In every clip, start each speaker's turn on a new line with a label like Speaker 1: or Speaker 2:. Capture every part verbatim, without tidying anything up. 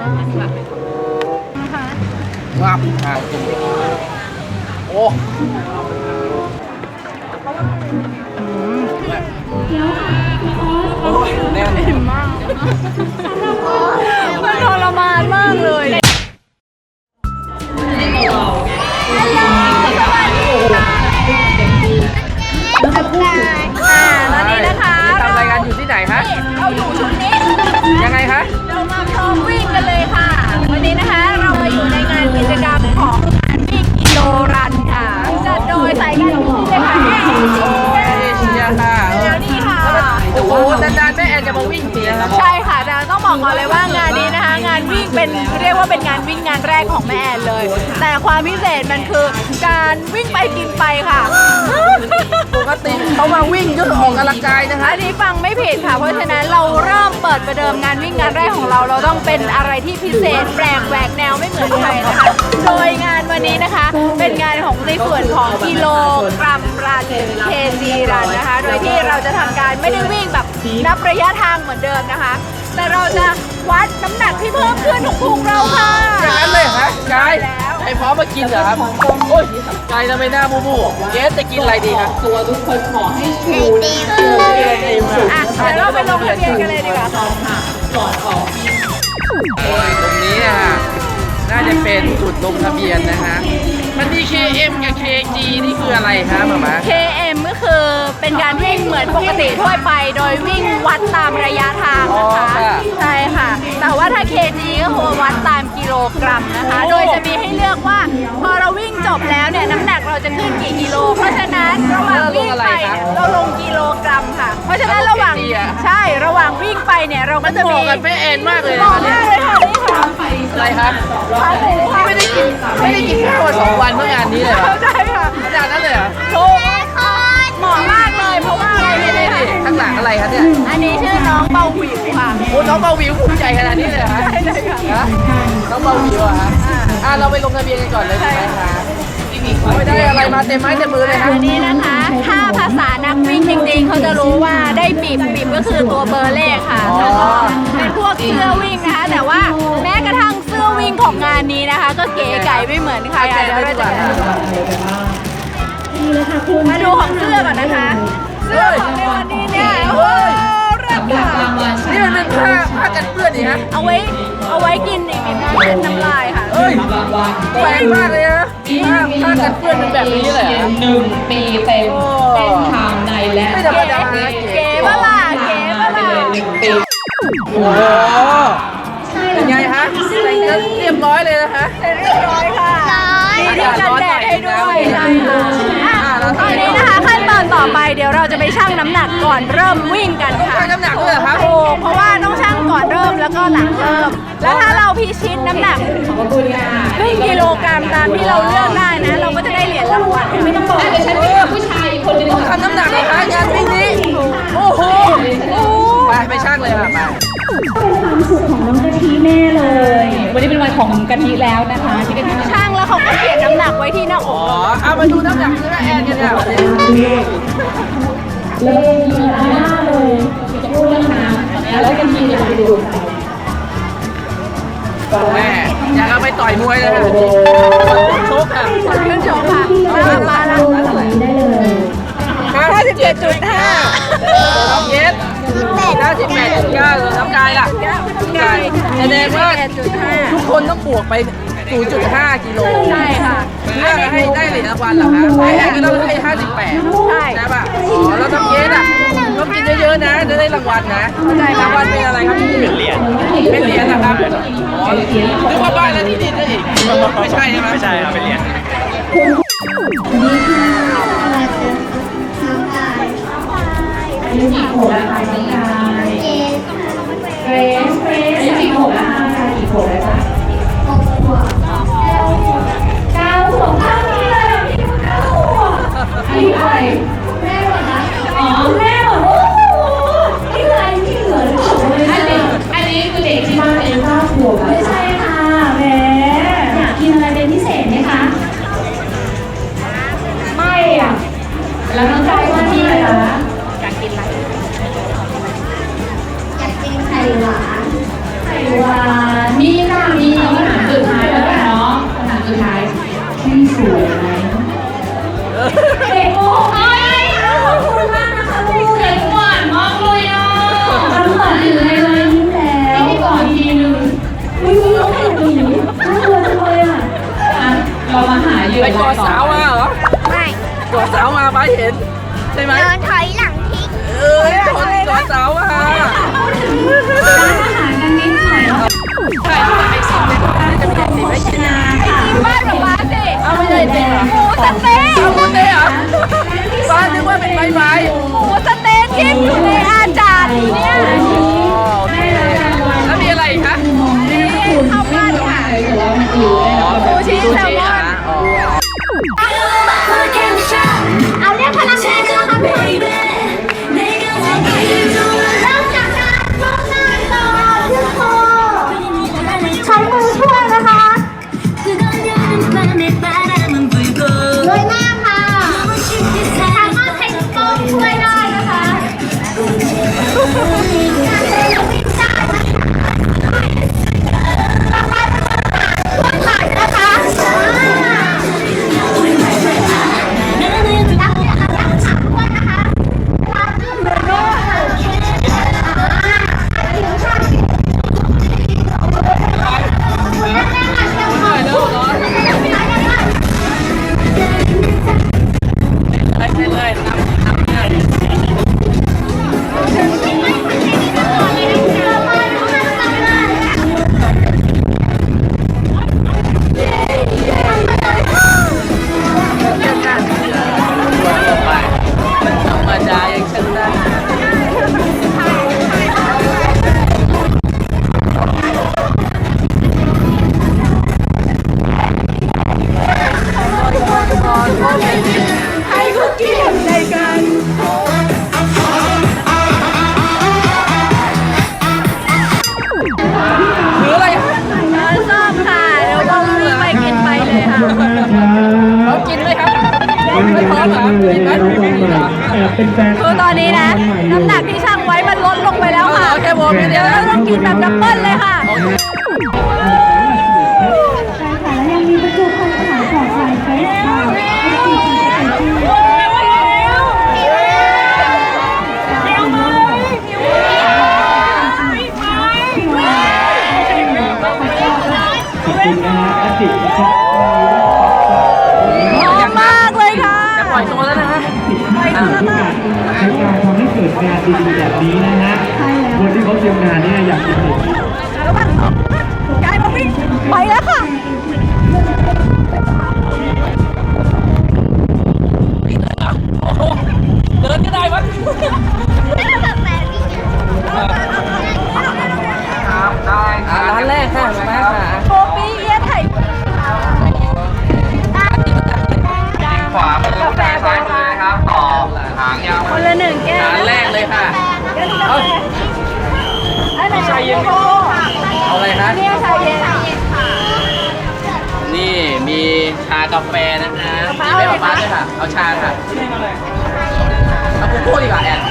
Speaker 1: งับอ่ะโอ้แน่นอิ่มมาก
Speaker 2: มันทรมานมากเลยตอนนี้นะคะ
Speaker 1: ทำรายการอยู่ที่ไหนคะ
Speaker 2: เราอยู่ชุดนี้
Speaker 1: ยังไงคะ
Speaker 2: เรามาพร้อมวิ่งกันเลยค่ะวันนี้นะคะเรามาอยู่ในงานกิจกรรมของงานวิ่งกิโลรันค่ะจัดโดยสายการบินเลยค่ะ
Speaker 1: เอเชียค่ะ
Speaker 2: แล้วนี่ค่ะ
Speaker 1: โอ้โหนานๆแม่แอนจะมาวิ่งเสีย
Speaker 2: ใช่ค่ะแต่ต้องบอกก่อนเลยว่างานนี้นะคะงานวิ่งเป็นเรียกว่าเป็นงานวิ่งงานแรกของแม่แอนเลยแต่ความพิเศษมันคือการวิ่งไปกินไปค่ะ
Speaker 1: ปกติเขามาวิ่งเพื่อออกกำลังกายนะคะ
Speaker 2: อันนี้ฟังไม่ผิดค่ะเพราะฉะนั้นเราเริ่มเปิดประเดิมงานวิ่งงานแรกของเราเราต้องเป็นอะไรที่พิเศษแปลกแหวกแนวไม่เหมือนใครนะคะโดยงานวันนี้นะคะเป็นงานของในส่วนของกิโลกรัมรันเคจีรันนะคะโดยที่เราจะทำการไม่ได้วิ่งแบบนับระยะทางเหมือนเดิมนะคะแต่เราจะวัดน้ำหนักที่เพิ่มขึ้นของพุงเราค่ะ
Speaker 1: อย่างนั้นเลยเหรอคะกายไอ้พร้อมมากินเหรอครับโอ้ยกายทำไมหน้าบูบูเกสจะกินอะไรดีครับ
Speaker 3: ตัวทุกคนขอให้ชู
Speaker 2: อ่ะเดี๋ยวเราไปลงทะเบียนกันเลยดีกว่า
Speaker 3: ค่ะก่อนออก
Speaker 1: โอ้ยตรงนี้อ่ะน่าจะเป็นจุดลงทะเบียนนะฮะมันมี เค เอ็ม กับ เค จี นี่คืออะไรครับหม่ามา
Speaker 2: เค เอ็ม ก็คือเป็นการวิ่งเหมือนปกติทั่วไปโดยวิ่งวัดตามระยะทางนะคะใช่ค่ะแต่ว่าถ้า เค จี ก็คือวัดตามกิโลกรัมนะคะโดยจะมีให้เลือกว่าพอเราวิ่งจบแล้วเนี่ยน้ำหนักเราจะขึ้นกี่กิโลเพราะฉะนั้นระหว่างวิ่งไปเราลงกิโลกรัมค่ะเพราะฉะนั้นระหว่างใช่ระหว่างวิ่งไปเนี่ยเราก็จะมี
Speaker 1: กันแม่แอนมากเลย
Speaker 2: นะมากเลยค่ะนี่ค่ะ
Speaker 1: อะไรครับไม่ได้กินไม่ได้กินข้าวสองวันเมื่องานนี้เลย
Speaker 2: ใช่ค่ะ
Speaker 1: อาจารย์นั่นเลยเหรอ
Speaker 2: ถูกเหมาะมากเลยเพราะว่าอะไร
Speaker 1: เนี่ยข้างหลังอะไรครับเนี่ย
Speaker 2: อันนี้ชื่อน้องเบาหวิวค่ะ
Speaker 1: โอ้น้องเบาหวิวภูมิใจขนาดนี้เลยเหรอ
Speaker 2: ใช่เลย
Speaker 1: ค่ะน้องเบาหวิวอะฮะอ่ะเราไปลงทะเบียนกันก่อนเลยใช่ไหมคะไม่ได้อะไรมาเต็มไม้เต็มมือเลยครับ
Speaker 2: อันนี้นะคะถ้าภาษานักวิ่งจริงๆเขาจะรู้ว่าได้ปีบปีบก็คือตัวเบอร์เลขค่ะแล้วก็เป็นพวกเสื้อวิ่งนะคะแต่ว่าแม้กระทั่งเสื้อวิ่งของงานนี้นะคะก็เก๋ไก่ไม่เหมือนใครเดี๋ยวเราจะมาดูของเสื้อก่อนนะคะเสื้อของในวันนี้เนี่ยโอ้ยรักค่ะ
Speaker 1: นี่มันเป็นผ้าผ้ากันเปื้อนนี่ฮะ
Speaker 2: เอาไว้เอาไว้กินอีกนิดนึงเป็นน้ำลายค่ะ
Speaker 1: เฮ้ยแปลกมากเลยนะผ้าผ้ากันเปื้อนเป็นแบบนี้เลย
Speaker 3: หนึ่งปีเต็มเป็นทางในและ
Speaker 1: ไม่ธรรมดา
Speaker 2: เก๋ปะล่ะเก๋ปะล่ะ
Speaker 1: โอ้โหเป็นไงฮะใส่กันเรียบร้อยเลยนะคะ
Speaker 2: เรียบร้อยค่ะมีที่กันแดดให้ด้วยใช่ค่ะตอนนี้นะคะขั้นตอนต่อไปเดี๋ยวเราจะไปชั่งน้ำหนักก่อนเริ่มวิ่งกันค่ะ
Speaker 1: ชั่งน้ำหนักด้วยเหรอครับ
Speaker 2: โอ้เพราะว่าต้องชั่งก่อนเริ่มแล้วก็หลังเริ่มแล้วถ้าเราพิชิตน้ำหนักครึ่งกิโลกรัมตามที่เราเลือกได้นะเราก็จะได้เหรียญรางวัล
Speaker 3: ไม่ต้องบอกเดี๋ยวฉันมีผู้ชายคนนึง
Speaker 1: ต้องทำน้ำหนักนะคะงานวิ่งนี้โอ้โหไปไปชั่งเลยค่ะไป
Speaker 3: เป็นความสุขของน้องกะทิแน่เลยวันนี้เป็นวันของกะทิแล้วนะคะที่กะทิ
Speaker 2: ช่างแล้วเขาก็เขียนน้ำหนักไว้ที่หน้าอก
Speaker 1: อ๋อเอามาดูน้ำหนักที่แม่แอนกันเนี่ยวันนี้
Speaker 3: เลยมีหน้าเลยจะพูดเรื่องน้ำแล้วกะทิจะไปดู
Speaker 1: แม่อยากเอาไปต่อยมวยเลยค่ะชกค่ะ
Speaker 2: ขึ้นชกค่ะมามาแล้ว
Speaker 3: ได้เลย
Speaker 2: ห้าสิบเจ็ดจุดห้า
Speaker 1: น้องเยสห้าสิบแปดจุดเก้าน้ำกายล่ะกายแสดงว่าทุกคนต้องบวกไป ศูนย์จุดห้า กิโล
Speaker 2: ใช่ค่ะ
Speaker 1: เพื่อให้ได้เหรียญรางวัลเหรอคะไอ้แอนก็ต้องให้ห้าสิบแปด
Speaker 2: ใช่
Speaker 1: ใช่ป่ะอ๋อแล้วน้ำเยสอ่ะต้องกินเยอะๆนะจะได้รางวัลนะรางวัลเป็นอะไรครับเป็นเหรียญเป็นเหรียญนะครับอ๋อนึกว่าบ้านแล้วที่ดินนั่นเองไม่ใช่ใช่ไหม
Speaker 4: ไม่ใช่ครับเป็นเหรียญ
Speaker 3: นี่กี่ขวดแล้วคะน้องกายเกรซเกรซกี่ขวดแล้วคะกี่ขวดแล้วคะหกขวดเก้าขวดเก้านี่เลยพี่เก้าขวดอันนี้อะไรแม่หมดนะอ๋อแม่หมดโอ้โหนี่คืออะไรที่เหลือหรือเปล่าอันนี้อันนี้คือเด็กที่บ้านอายุเก้าขวบไม่ใช่ค่ะแม่อยากกินอะไรเป็นพิเศษไหมคะไม่อ่ะแล้วน้องกายว่าที่อะไรคะ
Speaker 2: อยากกินอะไร
Speaker 3: อยากกินไข่หวานไข่
Speaker 1: ไปกอดสาวมาเหรอ
Speaker 3: ไม่
Speaker 1: กอดสาวมาป้าเห็นใช่ไหม
Speaker 3: เดินถอยหลังทิ้ง
Speaker 1: เอ้ยกอดกอดสาวมา
Speaker 3: ร้านอาหารกันนิดหน่อยนะคะ
Speaker 1: ใช่ไอซิมเลยจะมีไอซิมให้กิน
Speaker 2: กินบ้านกับบ้านสิ
Speaker 1: เอาไม่ใช่จริงเหรอ
Speaker 2: หมูสะเต๊ะ
Speaker 1: เอาหมดเลยเหรอป้านึกว่าเป็นใบไม้
Speaker 2: หมูสะเต๊ะที่อยู่ในอาจารย์เนี่ย
Speaker 1: โอเคแล้วมีอะไรอีกคะ
Speaker 2: ข้าวปั้นค่ะ ซูชิแซลมอน
Speaker 1: อ๋อ
Speaker 3: เอาเรียกพนักงานนะคะทุกคนเริ่มจากการก้มหน้าต่อขึ้นคอใช้มือช่วยนะคะโดยหน้าค่ะสามารถใช้กล้องช่วยได้นะคะต่อไปเป็นช่วยถ่ายนะคะรับเนี่ยรับฉากด้วยนะคะรับเรื่องเลยด้วยผิวช่างแม่ๆค่ะเชียวค่ะ
Speaker 1: ไปเลยน้ำน้ำเลย ไปมันธรรมดาอย่างฉันได้ให้คุกกี้ในกันหรืออะไรคะ
Speaker 2: ร้านส้มค่ะเดี๋ยวเรารีบไปกินไปเลยค่ะ
Speaker 1: เขากินไหมครับไม่พร้อมเหรอกินไหมกินเหรอ
Speaker 2: คือตอนนี้นะ น้ำหนักที่ช่างไว้มันลดลงไปแล้วค่ะ
Speaker 1: เอาแค่วอร์มอย่างเดี
Speaker 2: เดี๋
Speaker 1: ย
Speaker 2: ยว ว
Speaker 1: นะ
Speaker 2: เราต้องกินแบบดับเบิ้ลเลยค่ะ
Speaker 3: ใช่ค่ะแล้วยังมีประตูคอนขายของขายเฟสค่ะ
Speaker 2: หอมมากเลยค่ะ
Speaker 1: จะปล่อยตัวแล้วนะฮะ
Speaker 2: ไปดูแล้วค่ะ
Speaker 4: ในการทำให้เกิดงานดีๆแบบนี้นะฮะคนที่เขาเตรียมงานเนี่ยอยากจะเห็น
Speaker 2: แล้วบ้างยายมาวิ่งไปแล้วค่ะ
Speaker 1: เดินก็ได้วะร้านแรกค่ะมาค่ะ
Speaker 2: โกปีเอียไถ่
Speaker 5: ขวามือซ้ายมือนะครับ ต่อหางยาว
Speaker 2: คนละหนึ่งแก้ว
Speaker 1: ร้านแรกเลยค่ะเอา
Speaker 2: อันไหนชาเย็น
Speaker 1: เอาอะไรคะ
Speaker 2: เนี่ยชาเย็น
Speaker 1: นี่มีชากาแฟนะคะมีไม่เอาปลาด้วยค่ะ เอาชาค่ะเอาโกโก้ดีกว่าแอน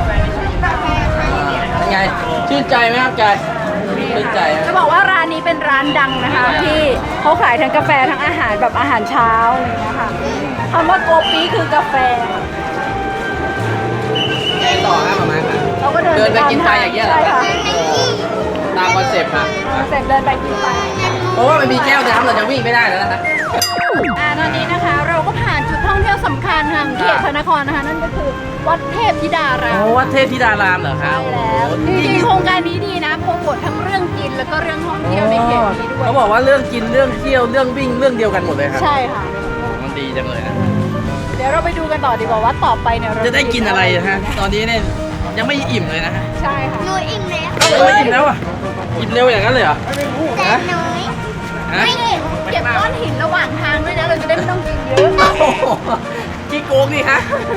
Speaker 1: เป็นไง ชื่นใจไหมครับกายชื่นใจ
Speaker 2: จะบอกว่าร้านนี้เป็นร้านดังนะคะ ที่เขาขายทั้งกาแฟทั้งอาหารแบบอาหารเช้าอะไรอย่างเงี้ยค่ะคำว่าโกปีคือกาแฟ
Speaker 1: ต่อนะประมาณค่ะ
Speaker 2: เราก็เดิน
Speaker 1: เดินไปกินไปอย่างเงี้ยเหรอ
Speaker 2: ใช่ค่ะ
Speaker 1: ตามคอนเซ็ปต์ค่ะ
Speaker 2: เสร็จเดินไปกินไป
Speaker 1: เพราะว่ามันมีแก้วน้ำเราจะวิ่งไม่ได้แล้วนะคะ
Speaker 2: อ่าตอนนี้นะคะเราก็ผ่านจุดท่องเที่ยวสำคัญทางเขตพระนครนะคะ นั่นก็คือวัดเทพธิดาราม
Speaker 1: โอ้วัดเทพธิดารามเหรอคะ
Speaker 2: ใช่แล้วจริงๆโครงการนี้ดีนะโปรโมททั้งเรื่องกินแล้วก็เรื่องท่องเที่ยวในเขตนี้ด้วย
Speaker 1: เขาบอกว่าเรื่องกินเรื่องเที่ยวเรื่องวิ่งเรื่องเดียวกันหมดเลยครับ
Speaker 2: ใช่ค่ะ
Speaker 1: มันดีจังเลยนะ
Speaker 2: เดี๋ยวเราไปดูกันต่อดีกว่าว่าต่อไปเนี่ยเรา
Speaker 1: จะได้กินอะไรนะฮะตอนนี้เนี่ยยังไม่อิ่มเลยนะฮะ
Speaker 2: ใช่ค่ะ
Speaker 3: หนูอิ่มแล้ว
Speaker 1: เอ้าไม่อิ่มแล้วอ่ะอิ่มเร็วอย่างนั้นเลยเหรอ
Speaker 3: แต่น้อย
Speaker 1: ฮะ
Speaker 2: ไม่เห็นเก็บก้อนหินระหว่างทางด้วยนะเราจะได้ไม่ต้องกินเยอะ
Speaker 1: โอ้โหขี้โกงดิฮะ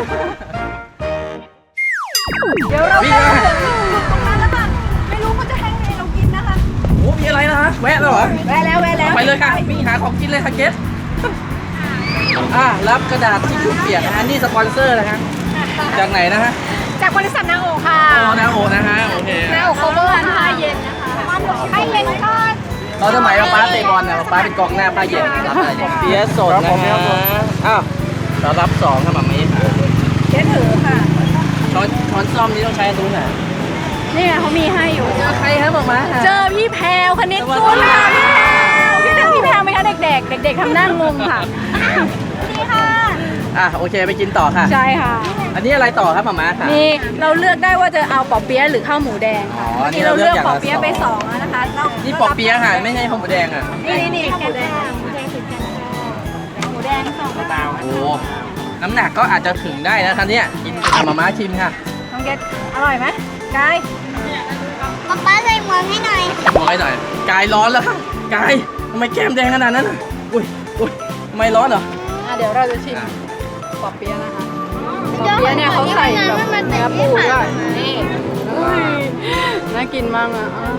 Speaker 2: เดี๋ยวเรา
Speaker 1: วิ่
Speaker 2: ไป
Speaker 1: งมา
Speaker 2: ถึงอยู่ตรงนั้นแล้วค่ะไม่รู้เขาจะให้ไงเรากินนะคะ
Speaker 1: โอ้มีอะไรนะฮะแวะแล้วเหรอ
Speaker 2: แวะแล้วแวะแล้ว
Speaker 1: ไปเลยค่ะวิ่งหาของกินเลยค่ะเกสอ่ะรับกระดาษที่ชุบเปียกนะฮะนี่สปอนเซอร์นะฮะจากไหนนะฮะ
Speaker 2: จากบริษัทนาโอค่ะ
Speaker 1: อ๋อนาโอนะฮะโอเค
Speaker 2: นาโอเขาเบอร์ผ้าเย็นนะคะผ้าเย็นก้อน
Speaker 1: ตอนสมัยป้าเตะบอลนะป้าเป็นกองหน้าป้าเย็นรับอะไรอย่างเปียสดนะฮะอ้าวเรารับสองครับแบบนี้
Speaker 2: เจ๊ถือค่ะ
Speaker 1: ช้อนช้อนซ่อมนี่ต้องใช้อันนู้นน่ะ
Speaker 2: นี่ไงเขามีให้อยู่
Speaker 1: เจอใครครับหมอมา
Speaker 2: เจอพี่แพรวคณิตกุลค่ะพี่แพรวพี่แพรวไหมคะเด็กๆ เด็กด็กๆทำหน้างงค่ะนี่ค่ะ
Speaker 1: อ่ะโอเคไปกินต่อค่ะ
Speaker 2: ใช่ค่ะ
Speaker 1: อันนี้อะไรต่อครับหม่าม้าค่ะ
Speaker 2: นี่เราเลือกได้ว่าจะเอาปอเปี๊ยะหรือข้าวหมูแดงค่ะ
Speaker 1: อ๋อนี่
Speaker 2: นี่
Speaker 1: เรา
Speaker 2: เรา
Speaker 1: เลื
Speaker 2: เลื
Speaker 1: อ
Speaker 2: อก ก
Speaker 1: อย่าง
Speaker 2: ป
Speaker 1: ละ
Speaker 2: อเปี๊ยะไปสองแล้วนะคะเรา
Speaker 1: นี่ปอเปี๊ยะค่ะไม่ใช่ข้าวหมูแดงอ่ะ
Speaker 2: นี่นี่นี่ข้าวหมูแดงหมูแดงสิบกันหมูแดงสองกระเตา
Speaker 1: โอ้น้ำหนักก็อาจจะถึงได้นะคะเนี่ยกินอ่ะหม่าม้าชิมค่ะ
Speaker 2: น้องเกดอร่อยไหมกาย
Speaker 3: ป๊าป๊าใส่หมวกให้หน่อย
Speaker 1: ร้อยหน่อยกายร้อนแล้วค่ะกายทำไมแก้มแดงขนาดนั้นอ่ะอุ้ยอุ้ยทำไมร้อนเหรอ
Speaker 2: อ่ะเดี๋ยวเราจะชิม
Speaker 1: อ่ะ
Speaker 2: ปอเปี๊ยะนะคะปอเปี๊ยะเนี่ยเขาใส่แบบเนื้อปูด้วยนี่อุ้ยน่ากินมากอ่ะอ่ะ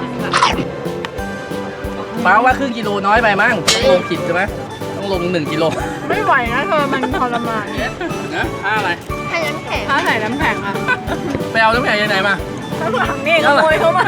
Speaker 1: ป้าว่าครึ่งกิโลน้อยไปมั้งต้องลงขีดใช่ไหมต้องลงหนึ่งกิโล
Speaker 2: ไม่ไหวนะเธอมันทรมาน
Speaker 1: นะค่าอะไร
Speaker 3: ให้น้ำแข็ง
Speaker 2: ถ้าใส่น้ำแข็งอ่ะ
Speaker 1: ไปเอาน้ำแข็งยังไงมา
Speaker 2: ข้างหลังนี่ขโมยเข้ามา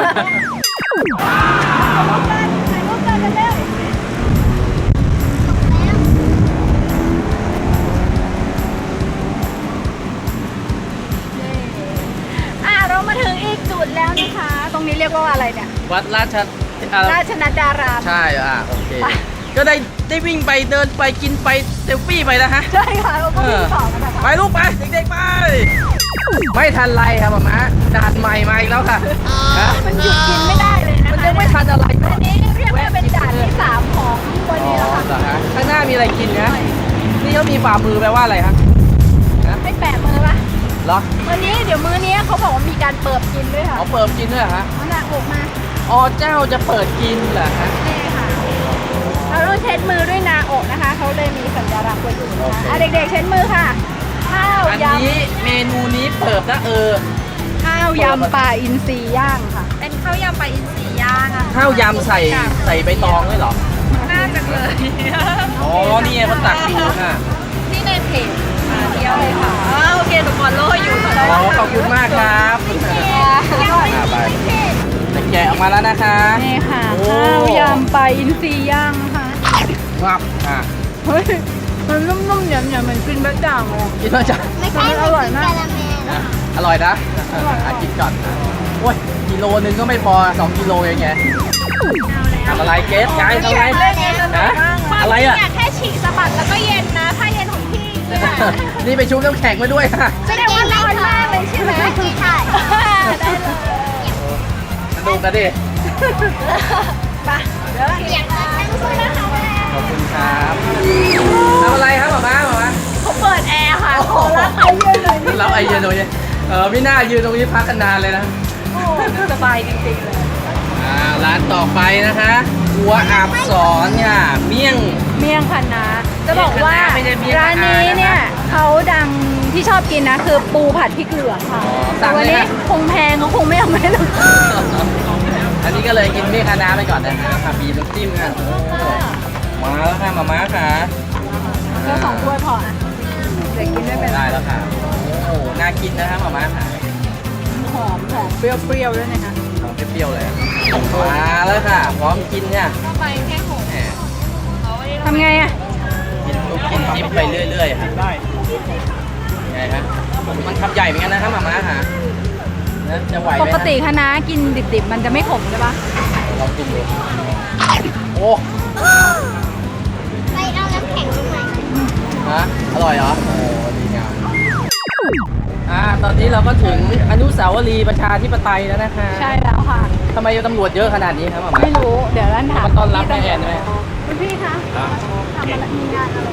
Speaker 2: อ่ะเรามาถึงอีกจุดแล้วนะคะ ตรงนี้เรียกว่าอะไรเนี่ย
Speaker 1: วัดราชอ่า
Speaker 2: ราชนัดดาราม
Speaker 1: ใช่อ่ะโอเค
Speaker 2: ไป
Speaker 1: ก็ได้ได้วิ่งไปเดินไปกินไปเซลฟี่ไปนะฮะ
Speaker 2: ใช่ค่ะเราก็วิ่งต่อกันนะคะ
Speaker 1: ไปลูกไปเด็กๆไปไม่ทันไรครับหม่าม้าด่านใหม่มาอีกแล้วค่ะฮะ
Speaker 2: มันหยุดกินไม่ได้เลยนะคะ
Speaker 1: มันยังไม่ทันอะไร
Speaker 2: อันนี้เรียกว่าเป็นด่านที่สามของวัน
Speaker 1: อ๋อ
Speaker 2: นี้แล้วค่ะ
Speaker 1: เหรอฮะข้างหน้ามีอะไรกินนะนี่เขามีฝ่ามือแปลว่าอะไรฮะฮะ
Speaker 2: ให้แปะมือปะ
Speaker 1: เหรอ
Speaker 2: วันนี้เดี๋ยวมื้อนี้เขาบอกว่ามีการเปิดกินด้วยค่ะ
Speaker 1: เขาเปิดกินด้วยเหรอฮะ
Speaker 2: มันหนักอกมา
Speaker 1: อ๋อเจ้าจะเปิดกินเหรอฮะ
Speaker 2: นี่ค่ะเราต้องเช็ดมือด้วยนาโอะนะคะ เขาเลยมีสัญลักษณ์ไว้อยู่นะ
Speaker 1: โอ
Speaker 2: คะ
Speaker 1: เค
Speaker 2: อ่ะเด็กๆเช็ดมือค่ะ ข้าว
Speaker 1: อัน
Speaker 2: ย
Speaker 1: นี้เมนูนี้เปิดนะเออ
Speaker 2: ำข้าวยำปลาอินทรีย่างค่ะ เป็นข้าวยำปลาอินทรีย่างอะ
Speaker 1: ข้าวยำใส่ใส่ใบตองด้วยเหรอ
Speaker 2: น่าจะเลย
Speaker 1: อ๋อนี่ไงมันตักอยู่ค่ะ
Speaker 2: นี่ในเพจมาเที่ยวเลยค่ะอ๋อโอเคหนูฟอลโล่อยู่ค่ะ
Speaker 1: อ๋อขอบคุณมากครับอ่าไปจะแกะออกมาแล้วนะคะ
Speaker 2: นี่ค่ะ
Speaker 1: โอ้
Speaker 2: ข้าวยำปลาอินทรีย่างนะคะ
Speaker 1: งับอ่ะ
Speaker 2: เฮ้ยมันนุ่มๆเหนียวๆเหมือนกินแบะจ่างเลย
Speaker 1: กินแล้วจ้ะ
Speaker 3: ไม่ใช่
Speaker 2: อร่อยมาก
Speaker 3: กะละแม
Speaker 1: อ่ะอร่อยนะอ่ะกินก่อนโอ้ยกิโลนึงก็ไม่พอสองกิโลเองไงทำอะไรเกสกายทำอะไรฮะอะไรอ่ะ
Speaker 2: แค่ฉีกสะบัดแล้วก็เย็นนะผ้าเย็นของพี่เนี่ย
Speaker 1: นี่ไปชุบน้ำแข็งมาด้วยค่ะ
Speaker 2: แสดงว่าร้อนมากเลยใช่ไหม
Speaker 3: ใช่
Speaker 2: ได้เลย
Speaker 1: สนุกกันดิ
Speaker 2: ไปเดี๋ยว
Speaker 3: เสียงดังสู้นะคะแม่
Speaker 1: ขอบคุณครับทำอะไรครับหม่าม้าหม่าม้า
Speaker 2: เขาเปิดแอร์ค่ะ
Speaker 1: โอ้โห
Speaker 2: รับไอเย็นเลยนี่
Speaker 1: เราไอเย็นตรงนี้เออพี่หน้ายืนตรงนี้พักกันนานเลยนะ
Speaker 2: โอ้สบายจริงๆเลย
Speaker 1: อ่าร้านต่อไปนะคะครัวอาบสอนค่ะเมี่ยง
Speaker 2: เมี่ยงคณะจะบอกว่า
Speaker 1: เมี่ยงคณะไม่ใช่เมี่ยง
Speaker 2: ร้านนี้
Speaker 1: คณะนะคะ
Speaker 2: เนี่ยเขาดังที่ชอบกินนะคือปูผัดพริกเหลืองค่ะ
Speaker 1: อ๋อสั่
Speaker 2: แต่
Speaker 1: งเลย
Speaker 2: วันนี้
Speaker 1: นะ
Speaker 2: คงแพงเขาคงไม่เอาไม่หรอก
Speaker 1: อันนี้ก็เลยกินเมี่ยงคณะไปก่อนนะคะค่ะบีบน้ำจิ้มค่ะโอ้มาแล้วค่ะมาม่าค่ะ
Speaker 2: แค่สองถ้วยพออ่ะเดี๋ยวกินไม่เป็นไร
Speaker 1: ได้แล้วค่ะโอ้น่ากินนะคะมาม่าค่ะ
Speaker 2: หอมหอมเปรี้ยวๆด้วยนะคะ
Speaker 1: หอมเปรี้ยวๆเลยมาแล้วค่ะพร้อมกินค่ะ
Speaker 2: ก็ไปแค่หก
Speaker 1: แหม
Speaker 2: ทำไงอ่ะ
Speaker 1: กินลูกกินจิ๊บไปเรื่อยๆค่ะได้ไงฮะมันคำใหญ่เหมือนกันนะครับมาม่าค่ะนะจะไหวไหม
Speaker 2: ป
Speaker 1: ฮะ
Speaker 2: กติคะน้ากินดิบๆ มันจะไม่ขมใช่ปะ
Speaker 1: ลองกินดูโอ้
Speaker 3: ไปเอาน้ำแข็งมาใหม่
Speaker 1: ฮะอร่อยเหรอโอ้ดีงามอ่าตอนนี้เราก็ถึงอนุสาวรีย์ประชาธิปไตยแล้วนะคะ
Speaker 2: ใช่แล้วค่ะ
Speaker 1: ทำไมตำรวจเยอะขนาดนี้ครับหมอ
Speaker 2: ไม่รู้ เดี๋ยวร้านถาม
Speaker 1: มาต้อนรับแม่แอนไหม
Speaker 2: คุณพี่คะทำอะไรมีงานอะไร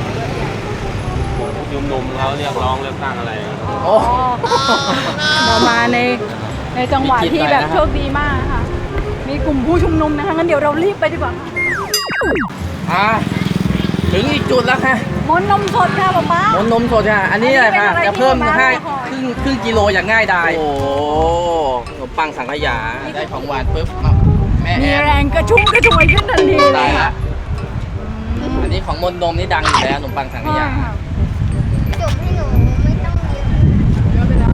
Speaker 6: ยุมนุมเขาเรียกร้องเลือกตั้งอะไร
Speaker 1: โอ้
Speaker 2: เรามาในในจังหวะที่แบบโชคดีมากค่ะ มีกลุ่มผู้ชุมนุมนะคะงั้นเดี๋ยวเรารีบไปดีกว่าค่ะ
Speaker 1: อ่าถึงอีกจุดแล้วค่ะ
Speaker 2: มนต์นมสดค่ะป๊าป๊าม
Speaker 1: นนมสดค่ะอันนี้อะไรค่ะ
Speaker 2: อันนี้เป็นอะไร
Speaker 1: จะเพิ่ม
Speaker 2: ที่
Speaker 1: ให้
Speaker 2: มาม่า
Speaker 1: ครึ่งครึ่งกิโลอย่างง่ายดายโอ้ขนมปังสังขยาได้ของหวานปุ๊บอ่ะแม่แอ
Speaker 2: มี
Speaker 1: น
Speaker 2: แรงกระชุ่มกระชวยขึ้นทันทีเล
Speaker 1: ตาย
Speaker 2: ย
Speaker 1: ละ
Speaker 2: ค่ะ
Speaker 1: อันนี้ของมนนมนี่ดังอยู่แล้วขนมปังสังข
Speaker 2: ใช่
Speaker 1: ยา
Speaker 2: ค่ะ
Speaker 3: จุ่มให้หนูไม่ต้องเยอะ
Speaker 2: เยอะไปแล้ว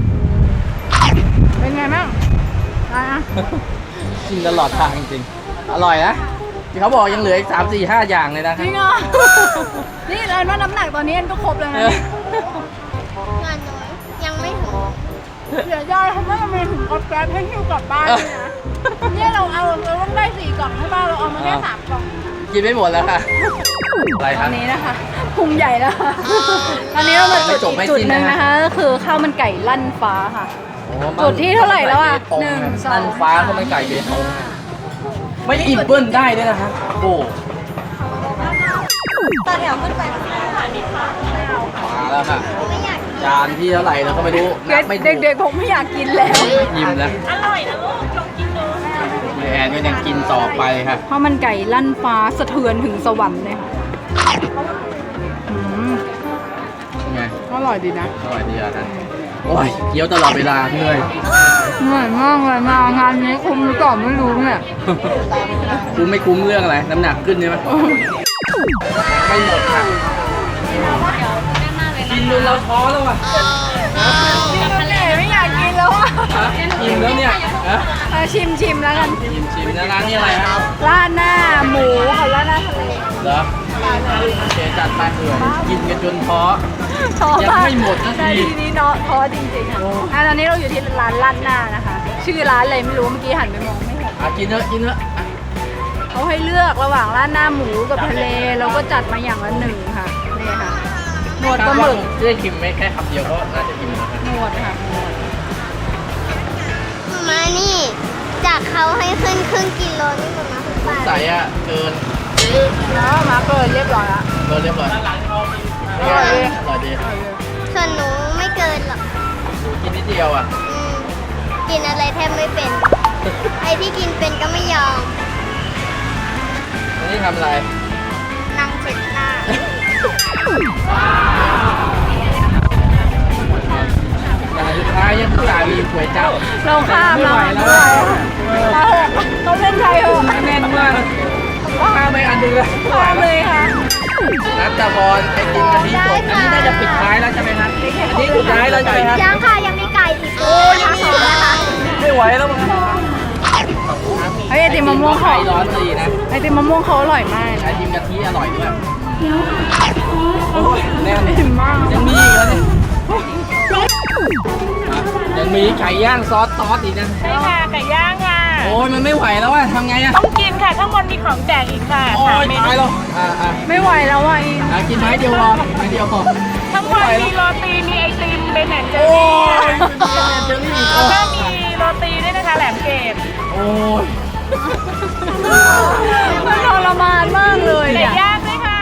Speaker 2: เป็นไงบ้างอะไรอ่ะ
Speaker 1: กินตลอดทางจริงๆอร่อยนะที่เขาบอกยังเหลืออีกสามสี่ห้าอย่างเลยนะ
Speaker 2: จ
Speaker 1: คะ
Speaker 2: ริงเหรอ นี่เลยว่าน้ำหนักตอนนี้ก็ครบแล้วนะ
Speaker 3: งานน้อยยังไม่ถึง
Speaker 2: เสียใจเขาไม่มีถุงกดแก๊สให้หิ้วกลับบ้านเลยนะ เนี่ยเราเอาเราต้องได้สี่กล่องใช่ป่ะเราเอามาแค่สามกล่อง
Speaker 1: กินไม่หมดแล้วค่ะ อะไรค
Speaker 2: ต
Speaker 1: รั
Speaker 2: อบ นนี้นะคะพุงใหญ่แล้วค่ะตอนนี้เรามาจุดอีกจุดหนึ่งนะคะก็คือข้าวมันไก่ลั่นฟ้าค่ะ จุดที่เท่าไหร่แล้วอะหนึ่งสอง
Speaker 1: นั่นฟ้าเขาไม่ไก่เบตงไม่อิ่มเบิ้ลได้ด้วยนะคะโอ้
Speaker 2: ตอนแถวขึ้นไป
Speaker 1: มาแล้วค่ะจานที่เท่าไหร่เราก็ไม่รู้นับไม่ถูก
Speaker 2: เด็กๆผมไม่อยากกินแล้ว
Speaker 1: อิ่มแล้วอร่อยนะลูกลองกินดูแอนก็ยังกินต่อไปค่ะ
Speaker 2: ข้าวมันไก่ลั่นฟ้าสะเทือนถึงสวรรค์เลยค่ะอืม
Speaker 1: เป็นไง
Speaker 2: อร่อยดีนะ
Speaker 1: อร่อยดีอ่ะท่านโอ้ยเคี้ยวตลอดเวลาเหนื่อย
Speaker 2: เหนื่อยมากเลยมางานนี้คุ้มหรือเปล่าไม่รู้เนี่ย
Speaker 1: คุ้มไม่คุ้มเรื่องอะไรน้ำหนักขึ้นใช่ไหมไม่หมดค่ะกินจนเราท้อแล้วอ่ะ
Speaker 2: ไม่อยากกินแล้วอ่ะ
Speaker 1: ฮะอิ่มแล้วเนี่ยฮะ
Speaker 2: เอาชิมชิมแล้วกัน
Speaker 1: ชิมชิมนะร้านนี้อะไรครับ
Speaker 2: ราดหน้าหมูกับราดหน้าทะเล
Speaker 1: เหรอโอเคจัดไปเอื่อยกินกันจนท้อ
Speaker 2: ท้อ
Speaker 1: ยังไม่หมดสักที
Speaker 2: ในที่นี้เนาะท้อจริงๆอ่ะอ่ะตอนนี้เราอยู่ที่ร้านราดหน้านะคะ ชื่อร้านอะไรไม่รู้เมื่อกี้หันไปมองไม่เห็น
Speaker 1: อ่ะกินเถอะกินเถอะอ่ะ
Speaker 2: เขาให้เลือกระหว่างราดหน้าหมูกับทะเลแล้วก็จัดมาอย่างละหนึ่งค่ะนี่ค่ะหนวดปลาหมึก
Speaker 1: จะได้ชิมไม่แค่คำเดียวก็น่าจะอิ่มแล้วนะ
Speaker 2: หนวดค่ะหนวด
Speaker 3: มานี่ จากเขาให้ขึ้นครึ่งกิโลนี่ประมาณบาท
Speaker 1: ใส่อ่ะเกิน
Speaker 2: แล้วมาเกินเรียบร้อยละ
Speaker 1: เกินเรียบร้อยอร่อยดีอร่อยดี
Speaker 3: ส่วนหนูไม่เกินหรอก
Speaker 1: กินนิดเดียวอ่ะ
Speaker 3: อืมกินอะไรแทบไม่เป็น ไอ้ที่กินเป็นก็ไม่ยอม
Speaker 1: อันนี้ทำอะไร
Speaker 3: นั่งเช็ดหน้า
Speaker 1: อย่างสุดท้ายยังผู้ชายมีก๋วยจั๊บ
Speaker 2: เราข้าม
Speaker 1: ไม่
Speaker 2: เรา
Speaker 1: ไหว
Speaker 2: ไม่
Speaker 1: แล้ว
Speaker 2: ไหวเราเขาเล่นไทยเหรอ
Speaker 1: แน่นมากข้ามไปอันหนึงเลยไม่ไหว
Speaker 2: ข้าม
Speaker 1: แล้ว
Speaker 2: เลยค่ะ
Speaker 1: นัดตะบอลไอติมกะทิสดอันนี้น่าจะปิดท้ายแล้วใช่ไหมครับอันนี้สุดท้ายแล้วใช่ไหมครับ
Speaker 3: ยังค่ะยังมีไก่อีกโอ้ยยังมีนะคะ
Speaker 1: ไม่ไหวแล้วมึง
Speaker 2: ไอไอติมมะม่วง
Speaker 1: ไฟ
Speaker 2: เขา
Speaker 1: ร้อนดีนะ
Speaker 2: ไอติมมะม่วงเขาอร่อยมาก
Speaker 1: ไอ
Speaker 2: นะ
Speaker 1: ติมกะทิอร่อยด้วยโอ้ยแน่น
Speaker 2: อิ่มมาก
Speaker 1: ยังมีอีกแล้วเนี่ยยังมีไก่ย่างซอสซอสอีกนะ
Speaker 7: ใช่ค่ะไก่ย่างค่ะ
Speaker 1: โอ้ยมันไม่ไหวแล้วอะทำไงอะ
Speaker 7: ต้องกินค่ะข้างบนมีของแจกอีกค่ะ
Speaker 1: โอ้
Speaker 7: สาม
Speaker 1: ย
Speaker 7: เม
Speaker 1: ตาย
Speaker 7: นู
Speaker 1: แล้วอ่าอ่า
Speaker 2: ไม่ไหวแล้วอ่ะอิง
Speaker 1: อ่ะกินไม้เดียวพอไม้เดียวพอ
Speaker 7: ข้างบนมีโรตีมีไอติมเป็นแอนเจอ
Speaker 1: โอ้
Speaker 7: รี่
Speaker 1: ยเจอรี่อีก
Speaker 7: แล้วก็มีโรตีด้วยนะคะแหลมเกต
Speaker 1: โอ้ย
Speaker 2: มันทรมานมากเลย
Speaker 7: ไก่
Speaker 2: เนี่ย
Speaker 7: ย่างด้วยค่ะ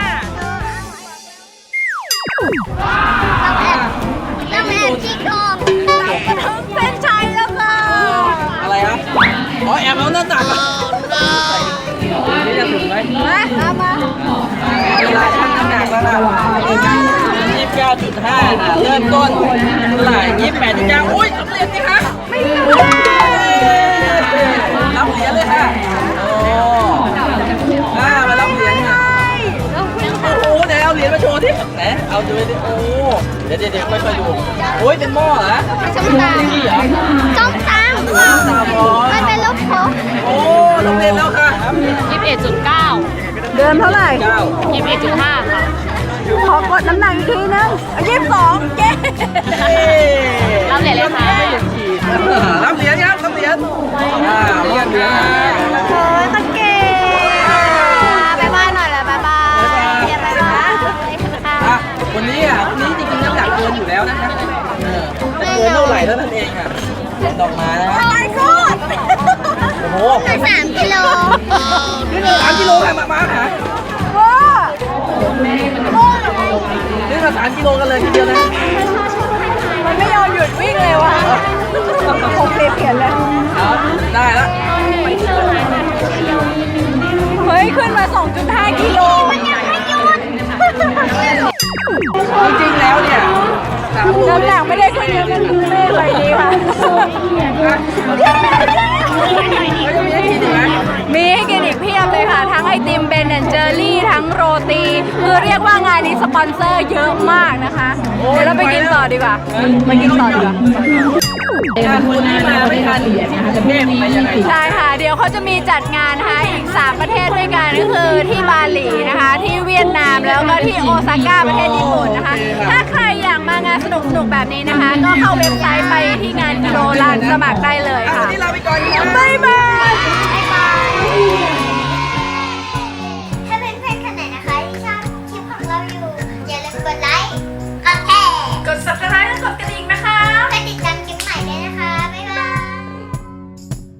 Speaker 3: ต้องแอบจี้โครง
Speaker 2: ถึงเส้นชัยแล้วค่ะ
Speaker 1: อะไรครับอ๋อแอบเอาหน้าตักอะนี่จะถึงไหม
Speaker 2: มาตามมา
Speaker 1: เวลาชั่งน้ำหนักแล้วนะยี่สิบเก้าจุดห้าเริ่มต้นเท่าไหร่ยี่สิบแปดจุดเก้าอุ้ยสำเร็จสิคะไม่รับเหรียญเลยค่ะโอ้อ่ามารับเหรียญค่ะโอ้โหไหนเอาเหรียญมาโชว์ดิไหนเอาดูดิโอ้เดี๋ยวเดี๋ยวเดี๋ยวค่อยๆดูโอ้ยเป็นหม้อเหรอ
Speaker 3: ส้มตำ
Speaker 1: นี่เหรอ
Speaker 3: ส้มตำมันเป็นลูกโป่ง
Speaker 1: โอ้ต้องเรียนแล้วค่ะ
Speaker 7: ยี่สิบเอ็ดจุดเก้า
Speaker 2: เดินเท่าไหร่
Speaker 1: เก้า
Speaker 7: ยี่สิบเอ็ดจุดห้าค่ะ
Speaker 2: ขอกดน้ำหนักอีกทีนึงยี่สิบสองเย้
Speaker 7: รับเหรียญเลยค่ะ
Speaker 1: รับเหรียญครับรับเหรียญอ่าเหรียญเหรียญ
Speaker 2: โอ้ยตะเกีย
Speaker 3: บายบายหน่อยเลยบายบายเดี๋ยวบายบาย
Speaker 1: อ่ะคนนี้อ่ะคนนี้จริงๆน้ำหนักเกินอยู่แล้วนะครับเออแต่เกินเท่าไหร่เท่านั้นเองอ่ะเดินออกมานะ
Speaker 2: ไม่กด
Speaker 1: โอ้โห
Speaker 3: สามกิโล
Speaker 1: สามกิโลค่ะมามาค่ะ
Speaker 2: ว้า
Speaker 1: นี่ก็สามกิโลกันเลยทีเดียวนะ
Speaker 2: มันไม่ยอมหยุดวิ่งเลยว่ะผมเปลี่ยนเปลี่ยนเลย
Speaker 1: เอาได้แล้ว
Speaker 2: เฮ้ย ขึ้นมา สองจุดห้า กิโล
Speaker 3: มันยังไม่หยุด
Speaker 1: จริงๆแล้วเนี่ยสามโล
Speaker 2: น้ำหนักไม่ได้ขึ้นเยอะมันไม่ได้ไหวดีค่ะ
Speaker 1: ไม่ต้องมีให้กินอีกไหม
Speaker 2: มีให้กินอีกเพียบเลยค่ะ ทั้งไอติมเบนแอนเจอรี่ทั้งโรตี คือเรียกว่างานนี้สปอนเซอร์เยอะมากนะคะ เดี๋ยวเราไปกินต่อดีกว่าไปกินต่อดีกว่า
Speaker 1: งานคนที่มาไม่ทันที่กรุงเทพไปยังไง
Speaker 2: ใช่ค่ะ เดี๋ยวเขาจะมีจัดงานนะคะอีก สาม ประเทศด้วยกันก็คือที่บาหลีนะคะ ที่เวียดนามแล้วก็ที่โอซาก้าประเทศญี่ปุ่นนะคะ ถ้าใครอยากมางานสนุกๆแบบนี้นะคะ ก็เข้าเว็บไซต์ไปที่งานกิโลลานสมัครได้เลย
Speaker 1: อ่ะวั
Speaker 2: ค่ะ
Speaker 1: นนี้ลาไปก่อนครับ
Speaker 2: บ๊ายบาย
Speaker 3: บ๊าย